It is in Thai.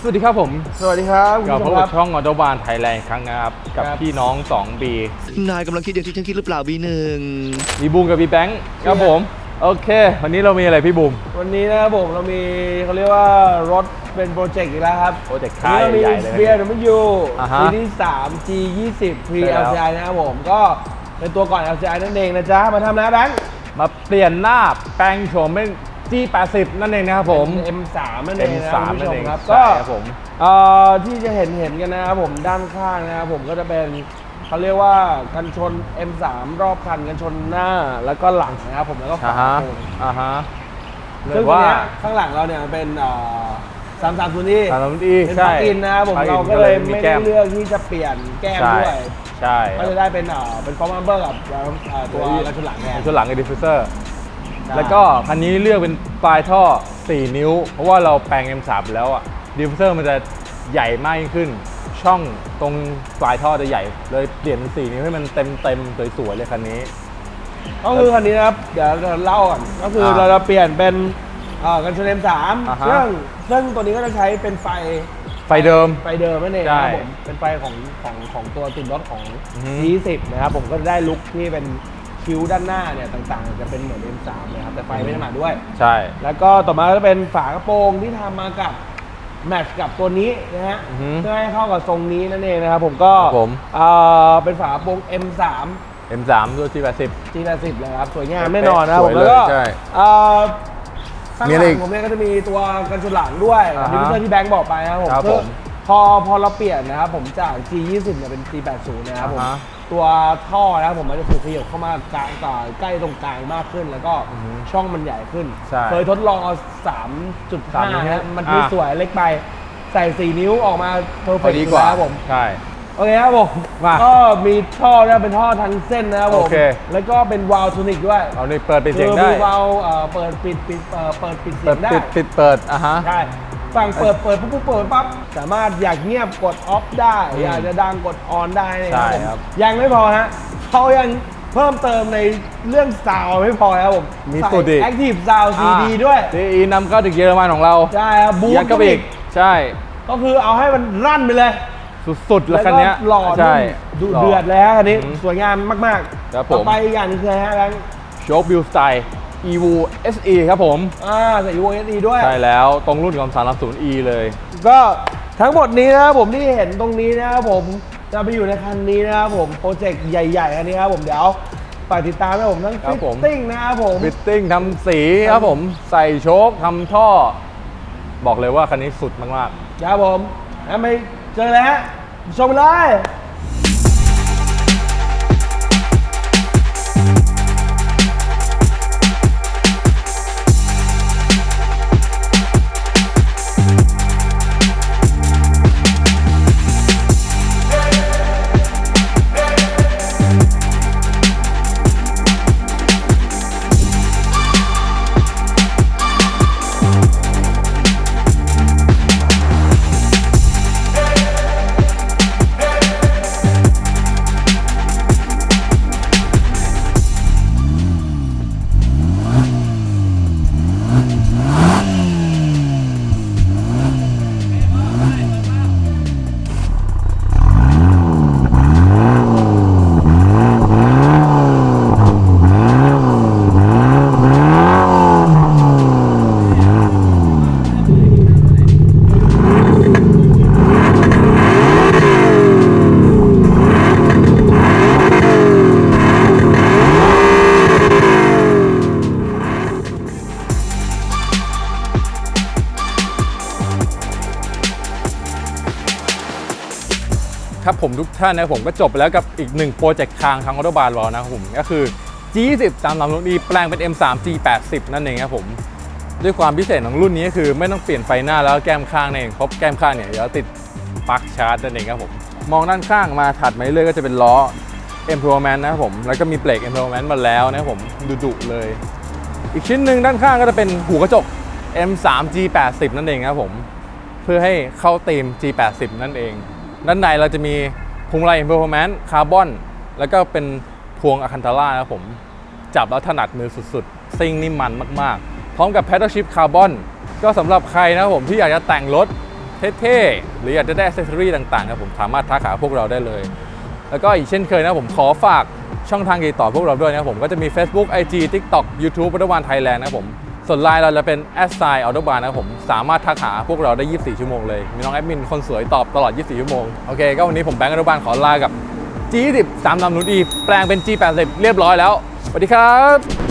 วัสดีครับผมสวัสดีครับกลับพบกับช่องออโตบานไทยแลนด์ครั้งนะครับกับพี่น้อง 2B นายกำลังคิดอย่างที่ฉันคิดหรือเปล่าบีหนึ่งมีบูมกับพี่แบงค์ครับผมโอเควันนี้เรามีอะไรพี่บูมวันนี้นะครับผมเรามีเขาเรียกว่ารถเป็นโปรเจกต์อีกแล้วครับโปรเจกต์ค่ายใหญ่เลยเบียร์มันอยู่ฮะปีที่3 G20 Pre ใช่แล้ว LCI นะครับผมก็เป็นตัวก่อน LCI นั่นเองนะจ๊ะมาทำนะแบงค์มาเปลี่ยนหน้าแปลงโฉมเป็น G80 นั่นเองนะครับผม M3 นั่นเองนะ M3 คุณผู้ชมนั่นเองครับใช่ก็ครับผมที่จะเห็นกันนะครับผมด้านข้างนะครับผมก็จะเป็นเขาเรียกว่ากันชน M3 รอบคันกันชนหน้าแล้วก็หลังนะครับผมแล้วก็ฝาโค้งฮะซึ่งตัวเนี้ยข้างหลังเราเนี่ยเป็น330E 330E เป็นใช่ปลั๊กอินนะครับผมเราก็เลยไม่ได้เลือกที่จะเปลี่ยนแก้มด้วยใช่ก็จะได้เป็นฟอร์มัมเบอร์กับตัวกระชุนหลังแทนชุดหลังกับดิฟฟิวเซอร์แล้วก็คันนี้เลือกเป็นปลายท่อ 4 นิ้ว เพราะว่าเราแปลง M3 แล้วอ่ะดิฟฟิวเซอร์มันจะใหญ่มากยิ่งขึ้น ช่องตรงปลายท่อจะใหญ่เลยเปลี่ยนเป็น 4 นิ้วให้มันเต็มสวยๆเลยคันนี้ก็คือคันนี้นะครับเดี๋ยวเราเล่าก่อนก็คือเราจะเปลี่ยนเป็นกันชน M3 ซึ่งตัวนี้ก็จะใช้เป็นไฟเดิมนั่นเองนะครับผมเป็นไฟของตัวติดรถของ G20 นะครับผมก็จะได้ลุคที่เป็นคิ้วด้านหน้าเนี่ยต่างๆจะเป็นเหมือน M3 เลยครับแต่ไฟไม่ได้มาด้วยใช่แล้วก็ต่อมาก็จะเป็นฝากระโปรงที่ทำมากับแมทช์กับตัวนี้นะฮะเพื่อให้เข้ากับทรงนี้นั่นเองนะครับผมก็เป็นฝากระโปรง M3 ด้วย G80 G80 เลยครับสวยงามแน่นอนนะครับผมแล้วก็ข้างหลังผมเนี่ยก็จะมีตัวกันชนหลังด้วยดิฟฟิวเซอร์ที่แบงค์บอกไปนะครับผมคือพอเราเปลี่ยนนะครับผมจาก G20 เนี่ยเป็น G80 นะครับผมตัวท่อนะครับผมมันจะถูกขยับเข้ามากลางต่อใกล้ตรงกลางมากขึ้นแล้วก็ช่องมันใหญ่ขึ้นเคยทดลองเอา 3.5 นะมันไม่สวยเล็กไปใส่ 4 นิ้วออกมาเพอร์เฟกต์ดีกว่าครับผมใช่โอเคครับผมก็มีท่อเนี่ยเป็นท่อทั้งเส้นนะครับผมแล้วก็เป็นวาล์วโทนิกด้วยเอานี่เปิดปิดเสียงได้มีวาล์วเปิดปิดเสียงได้เปิดใช่ฝั่งเปิดปุ๊บเปิดปั๊บสามารถอยากเงียบกดออฟได้อยากจะดังกดออนได้นะครับยังไม่พอฮะเขายังเพิ่มเติมในเรื่องซาวไม่พอครับผมมีสตูดิโอ Active Sound CD ด้วย CE นำเข้าถึงเยอรมันของเราใช่ครับบูทก็อีกใช่ก็คือเอาให้มันรั่นไปเลยสุดๆแล้วคันนี้หล่อใช่ดุเดือดแล้วคันนี้สวยงามมากๆต่อไปอีกอย่างนึงคือฮะแบงค์โชคบิลสไตล์ Evo SE ครับผมใส่ Evo SE ด้วยใช่แล้วตรงรุ่นของ 330E เลยก็ทั้งหมดนี้นะครับผมที่เห็นตรงนี้นะครับผมจะไปอยู่ในคันนี้นะครับผมโปรเจกต์ใหญ่ๆอันนี้ครับผมเดี๋ยวฝากติดตามนะผมทั้งฟิตติ้งนะครับผมฟิตติ้งทำสีครับผมใส่โชคทำท่อบอกเลยว่าคันนี้สุดมากๆครับผมไปเจอเลยฮะชมเลยครับผมทุกท่านนะผมก็จบไปแล้วกับอีกหนึ่งโปรเจกต์ทางออโตบานเรานะครับผมก็คือ G20 330E แปลงเป็น M3 G80 นั่นเองครับผมด้วยความพิเศษของรุ่นนี้ก็คือไม่ต้องเปลี่ยนไฟหน้าแล้วแก้มข้างนั่นเองเพราะแก้มข้างเนี่ยเดี๋ยวติดปลั๊กชาร์จนั่นเองครับผมมองด้านข้างมาถัดมาเรื่อยก็จะเป็นล้อ Improvement นะครับผมแล้วก็มีเบรก Improvement มาแล้วนะครับผมดุๆเลยอีกชิ้นหนึ่งด้านข้างก็จะเป็นหูกระจก M3 G80 นั่นเองครับผมเพื่อให้เข้าธีม G80 นั่นเองด้านในเราจะมีพวงมาลัย Performance คาร์บอนแล้วก็เป็นพวงอะคันทาร่านะครับผมจับแล้วถนัดมือสุดๆซิ่งนิ่มมันมากๆพร้อมกับ Paddle Shift คาร์บอนก็สำหรับใครนะครับผมที่อยากจะแต่งรถเท่ๆหรืออยากจะได้อ c เซสซอรี่ต่างๆครับผมสามารถทักหาพวกเราได้เลย แล้วก็อีกเช่นเคยนะผมขอฝากช่องทางติดต่อพวกเราด้วยนะครับผมก็จะมี Facebook IG TikTok YouTube Autobahn Thailand นะครับผมส่วนไลน์เราจะเป็น @Autobahn นะครับผมสามารถทักหาพวกเราได้ 24 ชั่วโมงเลยมีน้องแอดมินคนสวยตอบตลอด 24 ชั่วโมงโอเคก็วันนี้ผมแบงค์Autobahnขอลากับ G20 3 ลำนุนอีแปลงเป็น G80 เรียบร้อยแล้วสวัสดีครับ